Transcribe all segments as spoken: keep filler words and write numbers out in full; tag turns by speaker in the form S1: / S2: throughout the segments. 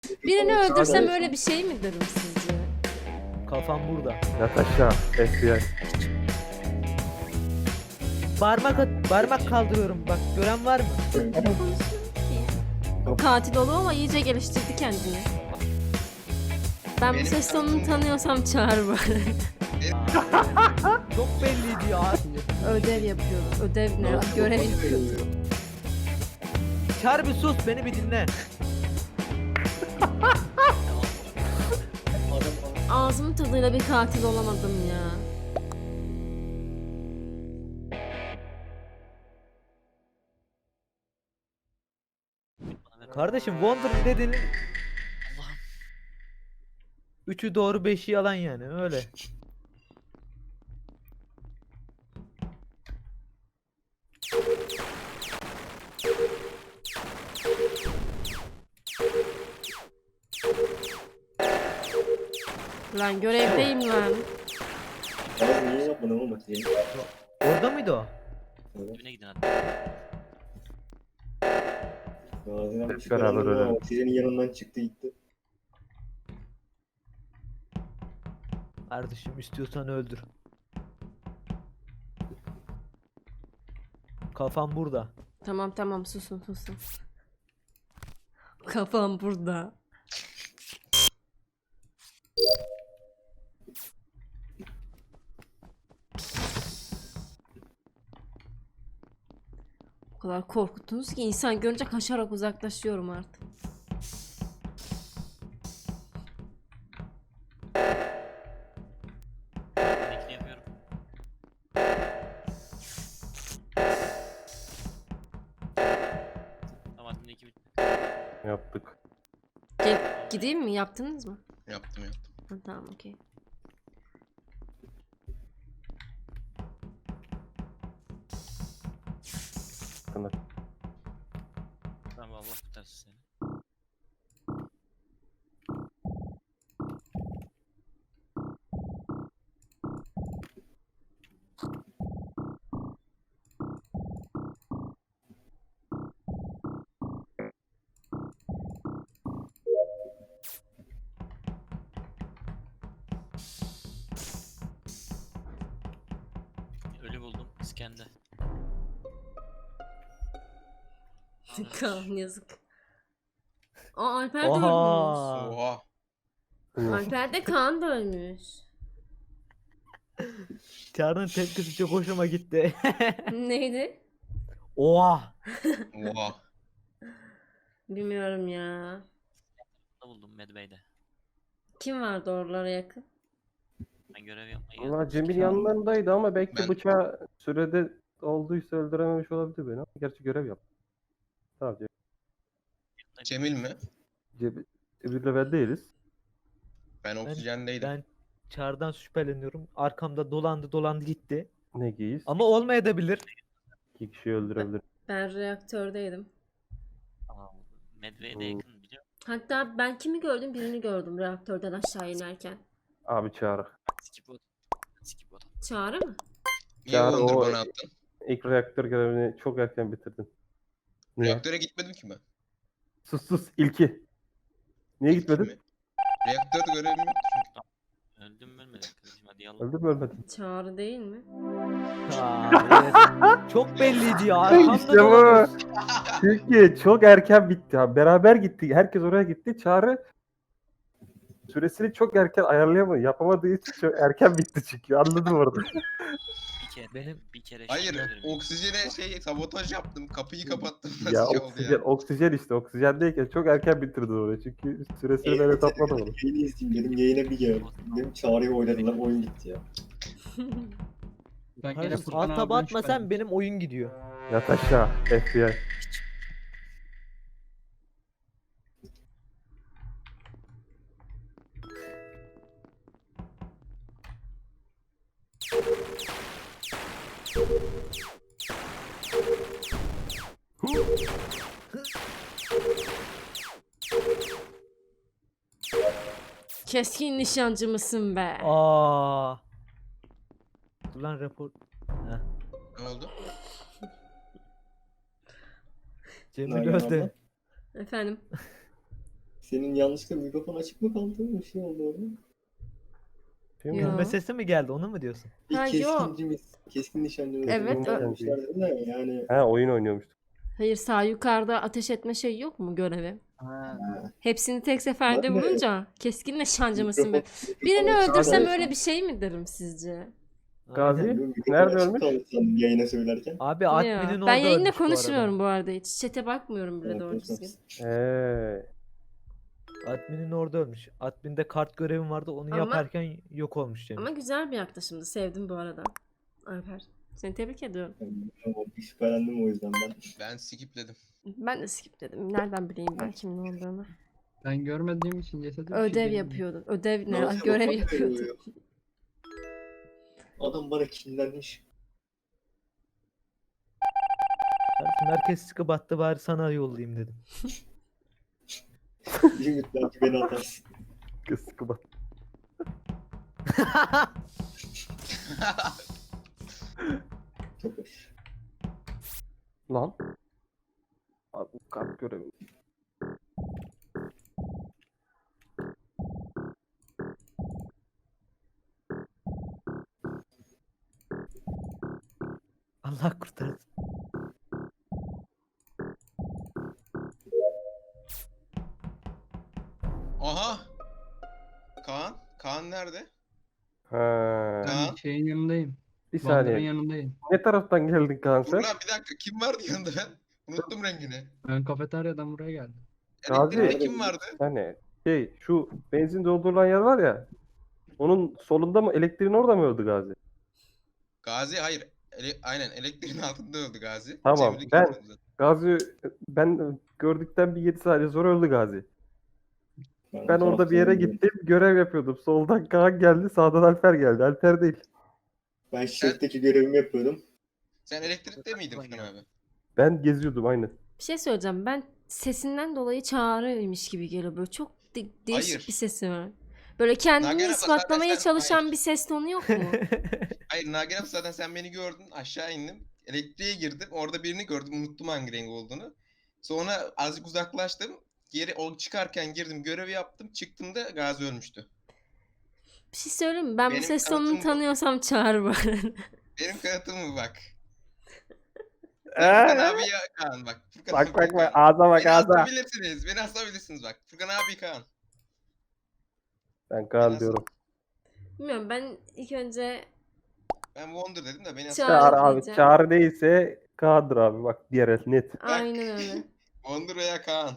S1: Birini öldürsem öyle bir şey mi derim sizce?
S2: Kafam burada.
S3: Yat aşağı. F B I.
S2: Parmak at, parmak kaldırıyorum. Bak gören var mı?
S1: Konuşuyor ki. Katil oluyor ama iyice geliştirdi kendini. Ben bu
S4: Benim
S1: ses tonunu
S4: katilim-
S1: tanıyorsam çağır bari.
S2: Çok belliydi ya.
S1: Ödev yapıyorum. Ödev ne? Görev yapıyordum.
S2: Çağır bir sus, beni bir dinle.
S1: Ağzımın tadıyla bir katil olamadım ya.
S2: Kardeşim Wonder dedin. Üçü doğru, beşi yalan yani öyle.
S1: Lan görevdeyim lan.
S5: Abi niye yapmadın oğlum Atiye'yi?
S2: Orada mıydı o?
S6: Düğüne gidin hadi.
S5: Gazi'den
S3: Hep
S5: çıkaran
S3: beraber
S5: ama
S3: ölelim.
S5: Atiye'nin yanından çıktı gitti.
S2: Kardeşim istiyorsan öldür. Kafam burada.
S1: Tamam tamam susun susun. Kafam burada. O kadar korkuttunuz ki insan görünce kaçarak uzaklaşıyorum artık.
S6: Bekle yapıyorum. Tamam hadi iki bitti.
S3: Yaptık.
S1: Gel, gideyim mi? Yaptınız mı?
S4: Yaptım yaptım.
S1: Ha, tamam okey.
S3: Kınır.
S6: Tamam Allah kurtarsın seni. Ölü buldum iskende.
S1: Kaan yazık. Aa Alper de ölmüş.
S2: Oha.
S4: Oha.
S1: Alper de Kaan da ölmüş.
S2: Çağrı'nın tepkisi çok hoşuma gitti.
S1: Neydi?
S2: Oha.
S4: Oha.
S1: Bilmiyorum ya.
S6: Ne buldum Medbay'de.
S1: Kim vardı oralara yakın?
S6: Ben görev yapmayı
S3: Valla Cemil
S2: Çıkar.
S3: yanlarındaydı ama belki
S4: Ben-
S3: bıçağı sürede olduysa öldürememiş olabilir beni. Ama gerçi görev yap. Tamam Cemil.
S4: Cemil mi?
S3: Cemil. Bir level değiliz.
S4: Ben oksijendeydim.
S2: Ben Çağrı'dan şüpheleniyorum. Arkamda dolandı dolandı gitti.
S3: Ne giyiz?
S2: Ama olmayabilir.
S3: İki kişiyi öldürebilir.
S1: Ben reaktördeydim.
S6: Tamam. Medbay'de
S3: Hmm.
S6: yakın biliyor musun?
S1: Hatta ben kimi gördüm? Birini gördüm reaktörden aşağı inerken.
S3: Abi çağır.
S6: Skip bot. Skip bot.
S1: Çağrı mı?
S4: Niye
S3: Ya
S4: Wonder
S3: o-
S4: bana attın?
S3: İlk reaktör görevini çok erken bitirdin. Niye?
S4: Reaktöre gitmedim ki ben.
S3: Sus sus ilki. Niye
S4: İlk
S3: gitmedin?
S4: mi? Reaktörde görevim yok çünkü.
S6: Öldüm mü ölmedim kardeşim hadi yalan.
S3: Öldün mü ölmedin?
S1: Çağrı değil mi?
S2: Hayır. Çok belliydi ya. Arkamda
S3: İşte bu.
S2: dolanıyorsun.
S3: Çünkü çok erken bitti. Ha. Beraber gittik. Herkes oraya gitti. Çağrı süresini çok erken ayarlayamadı. Yapamadığı için çok erken bitti çünkü. Anladım orada.
S6: Bir kere
S2: Benim-
S6: bir kere
S4: Hayır,
S6: şey görevi-
S4: oksijene şey sabotaj yaptım. Kapıyı kapattım.
S3: ya
S4: Nasıl şey oldu
S3: oksijen,
S4: ya?
S3: oksijen işte. Oksijendeyken çok erken bitirdin orayı. Çünkü süresini ben hesaplamadım.
S5: Yayını izleyeyim dedim yayına bir gel. Dedim Çağrı'yı oynadılar oyun gitti ya.
S7: Ben gene
S2: Kardeşim
S7: Furkan
S2: alt taba
S7: abiden
S2: atmasan
S7: şüphelendim.
S2: benim oyun gidiyor.
S3: Yat aşağı. F B I.
S1: Keskin nişancı mısın be?
S2: Aa. Dur lan rapor.
S4: Ne oldu?
S2: Cemil
S5: Nalan
S2: öldü.
S5: abla?
S1: Efendim?
S5: Senin yanlışlıkla mikrofon açık mı kaldı? Bir şey oldu orada.
S3: Değil mi?
S1: Yo.
S2: Gülme sesi mi geldi onu mu diyorsun?
S5: Bir
S1: Ha, yok.
S5: keskincimiz, keskin nişancımız.
S1: Evet,
S5: Oyun
S1: ö-
S5: oynamışlar dedim de yani.
S3: Ha oyun oynuyormuştuk.
S1: Hayır, sağ yukarıda ateş etme şey yok mu görevi?
S5: Ha,
S1: Hepsini tek seferde
S5: Ben de-
S1: vurunca keskin nişancı mısın be?
S5: mikrofon-
S1: Birini
S5: mikrofon
S1: öldürsem
S5: açık
S1: öyle
S5: kaldı.
S1: bir şey mi derim sizce?
S3: Gazi
S2: Aynen.
S5: Mikrofon
S3: nerede
S5: açık
S3: ölmüş?
S5: kaldı sandım yayına söylerken.
S2: Abi
S1: Ya,
S2: adminin orada
S1: ben yayında
S2: ölmüş bu arada.
S1: konuşmuyorum bu arada hiç. Chat'e bakmıyorum bile
S5: Evet,
S1: doğru
S5: evet,
S1: düzgün.
S3: Eee.
S2: Adminin orada ölmüş. Adminde kart görevim vardı onu
S1: Ama-
S2: yaparken yok olmuş Cemil.
S1: Ama güzel bir yaklaşımdı. Sevdim bu arada. Alper. Seni tebrik ediyorum.
S5: Tamam, şüphelendim o yüzden ben.
S4: Ben skipledim.
S1: Ben de skip dedim. Nereden bileyim ben kimin olduğunu.
S7: Ben görmediğim için cesedi bir şey
S1: Ödev
S7: diyemem.
S1: yapıyordun. Ödev ne?
S5: Nasıl
S1: Görev
S5: bak-
S1: yapıyordun.
S5: Adam bana kinlenmiş.
S2: Kardeşim herkes çıkıp attı bari sana yollayayım dedim.
S5: Bir ümit belki beni atarsın.
S3: Sıkı bak.
S5: Çok hoş.
S3: Lan. Abi kart görevi.
S2: Allah kurtarsın.
S4: Aha! Kaan? Kaan nerede?
S3: Ha.
S4: Kaan?
S7: Ben şeyin yanındayım.
S3: Bir
S7: Wonder'ın
S3: saniye.
S7: yanındayım.
S3: Ne taraftan geldin kanka?
S4: Dur lan bir dakika kim vardı yanında ben? Unuttum rengini.
S7: Ben kafeteryadan buraya geldim.
S3: Gazi.
S4: Elektrikte kim vardı?
S3: Yani şey şu benzin doldurulan yer var ya. Onun solunda mı elektriğin orada mı öldü Gazi?
S4: Gazi hayır. Ele- aynen elektriğin altında öldü Gazi.
S3: Tamam,
S4: Cemil'i
S3: ben-
S4: gördüm zaten.
S3: Gazi ben gördükten bir yedi saniye sonra öldü Gazi. Ben
S5: o
S3: orada bir yere
S5: taraftan
S3: gittim görev yapıyordum. Soldan Kaan geldi sağdan Alper geldi. Alper değil.
S5: Ben şefteki görevimi yapıyordum.
S4: Sen elektrikte miydin Furkan abi?
S3: Ben geziyordum aynı.
S1: Bir şey söyleyeceğim. Ben sesinden dolayı çağrıymış gibi geliyor. Böyle çok de- değişik
S4: Hayır.
S1: bir sesi var. Böyle kendini
S4: Nagihan abla,
S1: ispatlamaya
S4: zaten sen-
S1: çalışan
S4: hayır.
S1: bir ses tonu yok mu?
S4: Hayır Nagihan zaten sen beni gördün aşağı indim. Elektriğe girdim orada birini gördüm unuttum hangi renk olduğunu. Sonra azıcık uzaklaştım. Geri o çıkarken girdim görevi yaptım çıktım da Gazi ölmüştü.
S1: Bir şey söyleyeyim mi? Ben bu
S4: Benim
S1: ses tonunu
S4: kanıtım bu.
S1: tanıyorsam çağır bana.
S4: Benim kanıtım mı bak.
S3: Ee?
S4: Furkan abi ya Kaan bak. Furkan
S3: Bak
S4: abi,
S3: bak bak
S4: Kaan.
S3: ağza bak
S4: Beni
S3: ağza.
S4: asabilirsiniz. Beni asabilirsiniz bak. Furkan abi Kaan.
S3: Ben Kaan
S4: Biraz-
S3: diyorum.
S1: Bilmiyorum, ben ilk önce
S4: Ben Wonder dedim de beni
S1: Çağrı-
S3: Çağrı
S4: asabilirsiniz.
S3: abi.
S1: diyeceğim.
S3: Çağrı değilse Kaan'dır abi. Bak diğer el net.
S1: aynen öyle.
S4: Wonder veya Kaan.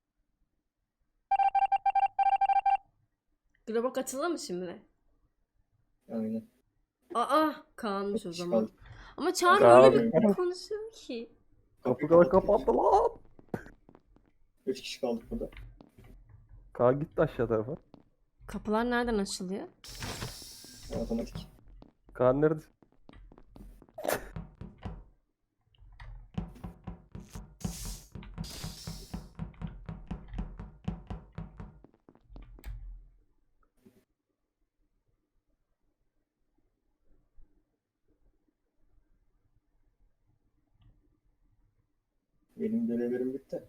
S1: Globo katıldı mı şimdi?
S5: Aynen.
S1: Aa, Kaan'mış o zaman.
S5: Kaldı.
S1: Ama Çağrı
S3: Kaan-
S1: öyle bir konuşuyor ki.
S3: Kapıları kapattı lan.
S5: Üç kişi kaldık burada.
S3: Kaan gitti aşağı tarafa.
S1: Kapılar nereden açılıyor?
S5: Otomatik.
S3: Kaan nerede?
S5: Benim görevlerim bitti.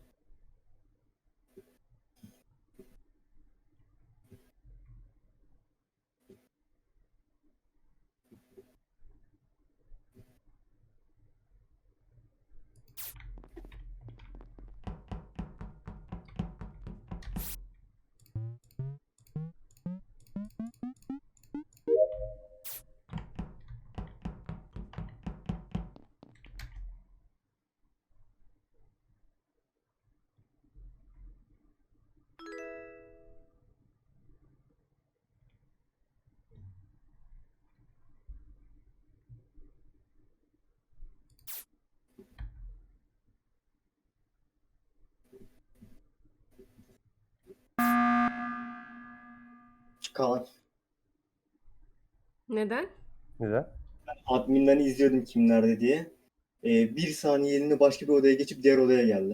S5: Kaan.
S1: Neden?
S3: Neden?
S5: Adminden izliyordum kim nerede diye. Ee, bir saniyeliğine başka bir odaya geçip diğer odaya geldi.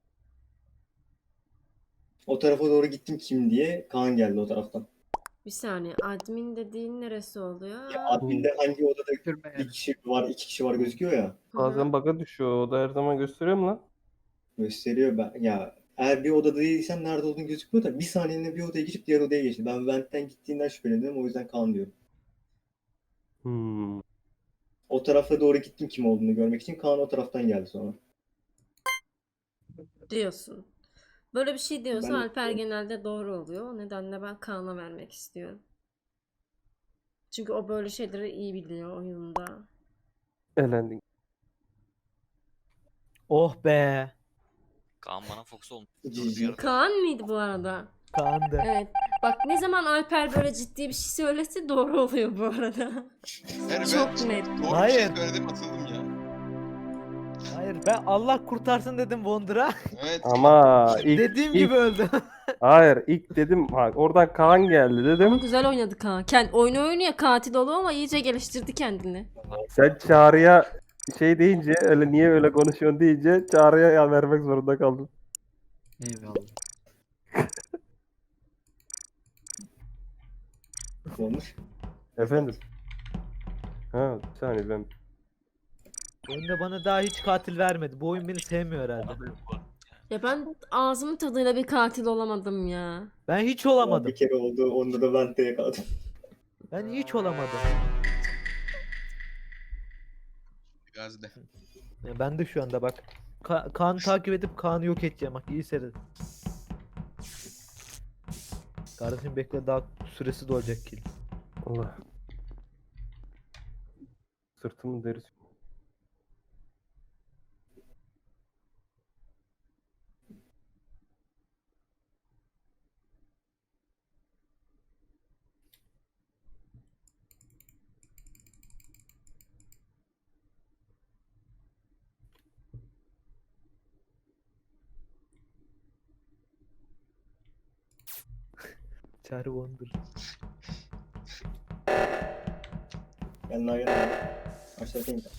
S5: O tarafa doğru gittim kim diye. Kaan geldi o taraftan.
S1: Bir saniye. Admin dediğin neresi oluyor?
S5: Ya adminde hangi odada
S7: Sürme
S5: bir kişi var, iki kişi var gözüküyor ya.
S1: Hı hı.
S3: Bazen bug'a düşüyor. O da her zaman gösteriyor mu lan?
S5: Gösteriyor ben. Ya Eğer bir odada değilsen nerede olduğunu gözükmüyor da bir saniyeliğine bir odaya geçip diğer odaya geçti. Ben Vent'ten gittiğinden şüphelendim, o yüzden Kaan diyorum.
S3: Hmm.
S5: O tarafa doğru gittim kim olduğunu görmek için. Kaan o taraftan geldi sonra.
S1: Diyorsun. Böyle bir şey diyorsa
S5: Ben-
S1: Alper genelde doğru oluyor. O nedenle ben Kaan'a vermek istiyorum. Çünkü o böyle şeyleri iyi biliyor oyunda.
S3: Elendin.
S2: Oh be.
S6: Kaan bana Fox olmuş.
S5: Cici.
S6: Durduk
S1: Kaan mıydı bu arada?
S2: Kaan'dı.
S1: Evet. Bak ne zaman Alper böyle ciddi bir şey söylese doğru oluyor bu arada.
S4: Yani
S1: Çok
S4: ben
S1: net.
S4: doğru bir şey
S2: Hayır.
S4: söyledim atıldım ya.
S2: Hayır ben Allah kurtarsın dedim Wonder'a.
S4: Evet.
S3: Ama ilk,
S2: Dediğim
S3: ilk-
S2: gibi öldü.
S3: hayır ilk dedim ha, oradan Kaan geldi
S1: Ama
S3: dedim.
S1: güzel oynadı Kaan. Kend, oyunu oynuyor katil oluyor ama iyice geliştirdi kendini.
S3: Sen Çağrı'ya şey deyince öyle niye öyle konuşuyorsun deyince Çağrı'ya ya vermek zorunda kaldım.
S7: Eyvallah.
S5: Ne olmuş?
S3: Efendim. Ha bir saniye ben.
S2: Oyunda bana daha hiç katil vermedi. Bu oyun beni sevmiyor herhalde.
S1: Ya ben ağzımın tadıyla bir katil olamadım ya.
S2: Ben hiç
S5: Ama
S2: olamadım.
S5: bir kere oldu, onda da Vent'te yakaladım.
S2: Ben hiç olamadım.
S4: Gazide.
S2: Ya ben de şu anda bak. Ka Kaan'ı takip edip Kaan'ı yok edeceğim bak iyi seyredin. Kardeşim bekle daha süresi dolacak kill.
S3: Allah. Sırtımın derisi.
S2: Çağrı Wonder.
S5: Gel Nagihan abi. Aşağıdaki mi?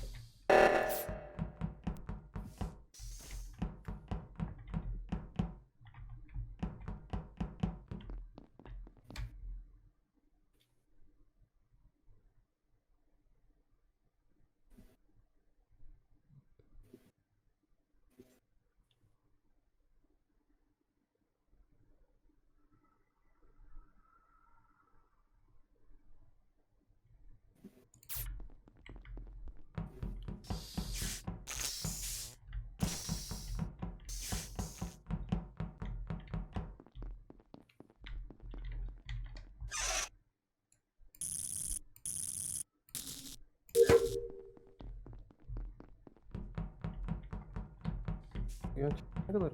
S3: Ya ne kadar?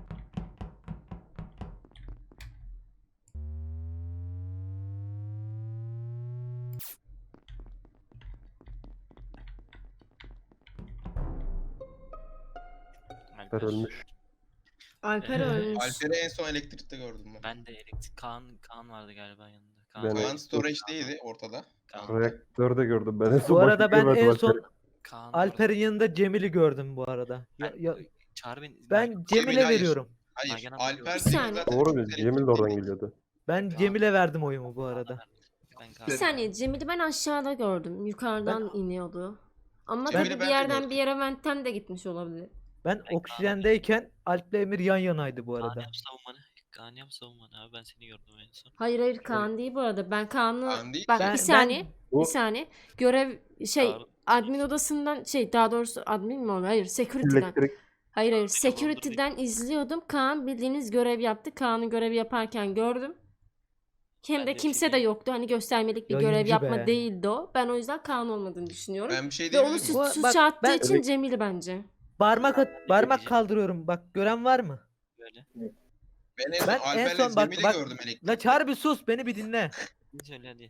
S6: Alper.
S3: ölmüş.
S1: Alper
S6: Ee,
S1: ölmüş.
S4: Alper'i en son elektrikte gördüm ben.
S6: Ben de elektrik Kaan Kaan vardı galiba yanında. Kaan,
S3: Ben-
S4: Kaan storage'deydi ortada.
S6: Kaan,
S3: Reaktörde gördüm ben en son.
S2: Bu
S3: başka
S2: arada ben
S3: görmedim
S2: en
S3: Alper'i.
S2: son
S6: Kaan
S2: Alper'in yanında Cemil'i gördüm bu arada. Ya, ya,
S6: Çağrı beni.
S2: ben
S4: Cemil,
S2: Cemil'e
S4: hayır.
S2: veriyorum.
S4: Hayır.
S6: Nagihan abla
S4: Alper
S6: gördüm.
S1: Bir
S4: Cemil
S1: saniye.
S4: zaten
S3: Doğru
S4: çok
S3: mu? Cemil de oradan
S4: elektrikteydi.
S3: geliyordu.
S2: Ben
S6: Kaan-
S2: Cemil'e verdim oyumu bu
S6: Kaan'a
S2: arada.
S6: verdim. Ben Kaan.
S1: Bir saniye Cemil'i ben aşağıda gördüm. Yukarıdan iniyordu. Ama
S4: Cemil'i
S1: tabii
S4: ben
S1: bir
S4: de
S1: yerden
S4: gördüm.
S1: bir yere Vent'ten de gitmiş olabilir.
S2: Ben oksijendeyken Alp'le Emir yan yanaydı bu
S6: Kaan
S2: arada.
S6: yap savunmanı. Kaan yap savunmanı abi ben seni gördüm en son.
S1: Hayır hayır Kaan değil bu arada. Ben Kaan'ı...
S4: Kaan değil
S1: Bak
S4: ki.
S1: bir
S2: Ben-
S1: saniye.
S3: Bu-
S1: Bir saniye. Görev şey
S6: Çağrı-
S1: admin odasından şey daha doğrusu admin mi oluyor? Hayır security'den.
S3: Elektrik
S1: Hayır hayır
S6: Admin olan dur bir-
S1: security'den izliyordum. Kaan bildiğiniz görev yaptı. Kaan'ın görevi yaparken gördüm. Hem
S6: Ben
S1: de
S6: de bir
S1: kimse
S6: şey
S1: de
S6: diyeyim.
S1: yoktu. Hani göstermelik bir
S2: Yayıncı
S1: görev yapma
S2: be.
S1: değildi o. Ben o yüzden Kaan olmadığını düşünüyorum.
S4: Ben bir şey
S1: Ve onu
S4: diyebilir miyim?
S2: Bu-
S1: su,
S2: bak,
S1: suça attığı
S2: ben-
S1: için Cemil bence.
S2: Parmak at, parmak
S6: diyeceğim.
S2: kaldırıyorum. Bak gören var mı?
S6: Böyle.
S4: Ben en son
S2: Ben en
S4: Alper'le
S2: son bak
S4: Cemil'i
S2: bak.
S4: gördüm elektrikte.
S2: La Çağrı bir sus beni bir dinle.
S6: Ne söyle hadi.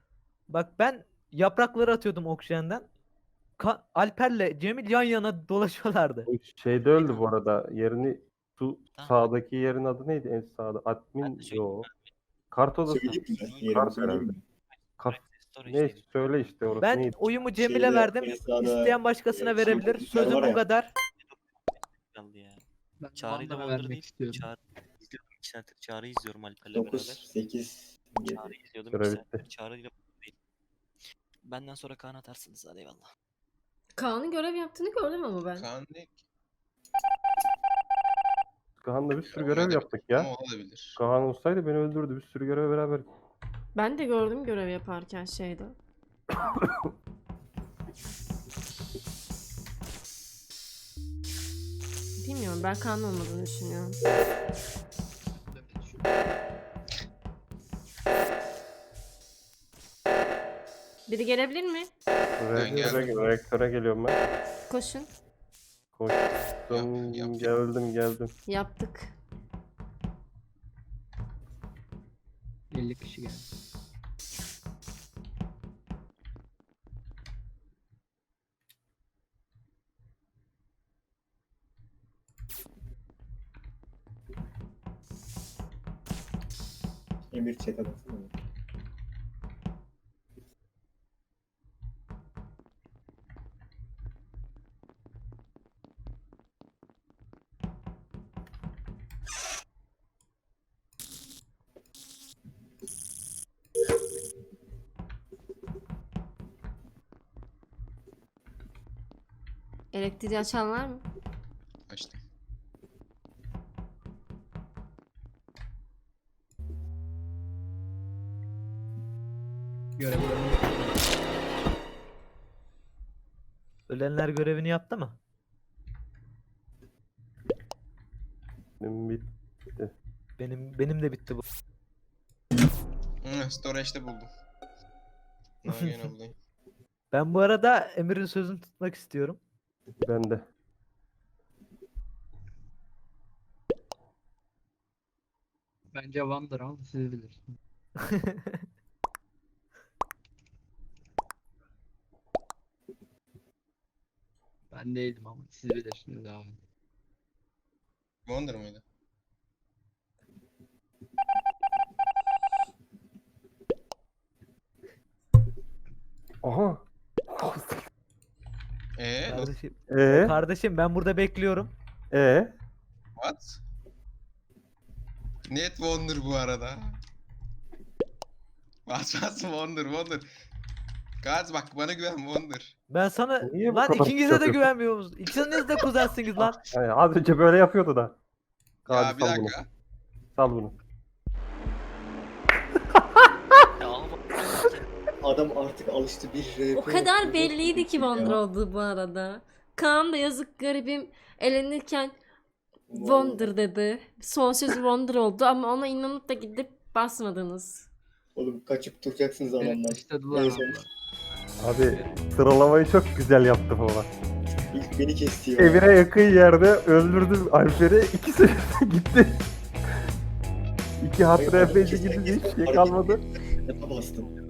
S2: Bak ben yaprakları atıyordum oksijenden. Ka- Alper'le Cemil yan yana dolaşıyorlardı.
S3: bu şeyde öldü bu arada. Yerini su
S6: Tamam.
S3: sağdaki yerin adı neydi en sağda?
S6: Ben
S3: Admin
S6: de söyleyeyim
S3: yo. Kart odası.
S5: Söyleyeyim mi?
S3: Kart
S5: Yerimi söyleyeyim
S3: herhalde.
S5: mi?
S3: Kart
S6: Storage'deydim.
S3: neyse söyle işte orası
S2: Ben
S3: neydi?
S2: oyumu Cemil'e
S5: Şeyde,
S2: verdim.
S5: en sağda,
S2: İsteyen başkasına
S5: e,
S2: verebilir.
S5: şey,
S2: Sözüm
S5: var
S2: bu
S5: ya.
S2: kadar.
S6: Kaldı ya.
S7: Ben
S6: Çağrı'yla
S7: Wonder'a
S6: Wonder'ı
S7: vermek
S6: değil.
S7: istiyorum.
S6: Çağrı izliyorum. iki saattir Çağrı'yı izliyorum Alper'le
S5: dokuz,
S6: beraber.
S5: sekiz, yedi.
S6: Çağrı izliyordum.
S3: Görev
S6: iki saattir.
S3: bitti.
S6: Çağrı'yla değil. Benden sonra Kaan atarsınız hadi eyvallah.
S1: Kaan'ın görev yaptığını gördüm ama ben.
S4: Kaan ne?
S3: Kaan'la bir sürü görev yaptık ya.
S4: Ama olabilir.
S3: Kaan olsaydı beni öldürdü. Bir sürü görev beraber.
S1: Ben de gördüm görev yaparken şeyde. Bilmiyorum, ben Kaan olmadığını düşünüyorum. Biri gelebilir mi?
S3: Reaktöre,
S4: geldim.
S3: reaktöre geliyorum ben.
S1: Koşun.
S3: Koştum,
S4: Yap, yap.
S3: geldim geldim.
S1: Yaptık.
S7: elli kişi geldi.
S5: Emir chat'e baksana.
S1: Elektriği açan var mı?
S4: Açtım.
S7: Görevlerini
S2: Ölenler görevini yaptı mı?
S3: Benim bir
S2: Benim benim de bitti bu.
S4: Hı, storage'de buldum. Nagihan ablayı.
S2: Ben bu arada Emir'in sözünü tutmak istiyorum.
S3: ben de.
S7: bence Van'dır ama siz bilirsiniz. Ben değildim ama siz bilirsiniz abi.
S4: Wonder mıydı?
S3: Aha.
S4: Eee?
S2: Kardeşim,
S3: Ee,
S2: kardeşim ben burada bekliyorum.
S3: ee.
S4: What? Net Wonder bu arada. Bas bas Wonder Wonder. Gaz bak bana güven Wonder.
S2: Ben sana
S3: Niye bu
S2: lan
S3: kadar
S2: ikinize de
S3: yapıyorsun?
S2: güvenmiyor musunuz? İkiniz de kuzensiniz lan.
S3: Yani az önce böyle yapıyordu da.
S4: Ya
S3: Hadi
S4: bir
S3: sal bunu.
S4: dakika.
S3: Sal bunu.
S6: Ya ama
S5: Adam artık alıştı bir R P
S1: O kadar
S5: yapıyor.
S1: belliydi ki Wonder
S5: Ya.
S1: olduğu bu arada. Kaan da yazık garibim elenirken Wonder dedi. Son sözü Wonder oldu ama ona inanıp da gidip basmadınız.
S5: Oğlum kaçıp duracaksınız
S7: Beni
S5: adamdan.
S7: dışladılar
S5: Neyse.
S7: abla.
S3: Abi sıralamayı çok güzel yaptı baba.
S5: İlk beni kesti ya.
S3: Evine yakın yerde öldürdüm Alper'i. İkisi de gitti. İki hatıra
S5: Hayır,
S3: epeyce
S5: kesin-
S3: gidince hiç
S5: kesin
S3: şey
S5: hareket
S3: kalmadı.
S5: ettim. Bastım.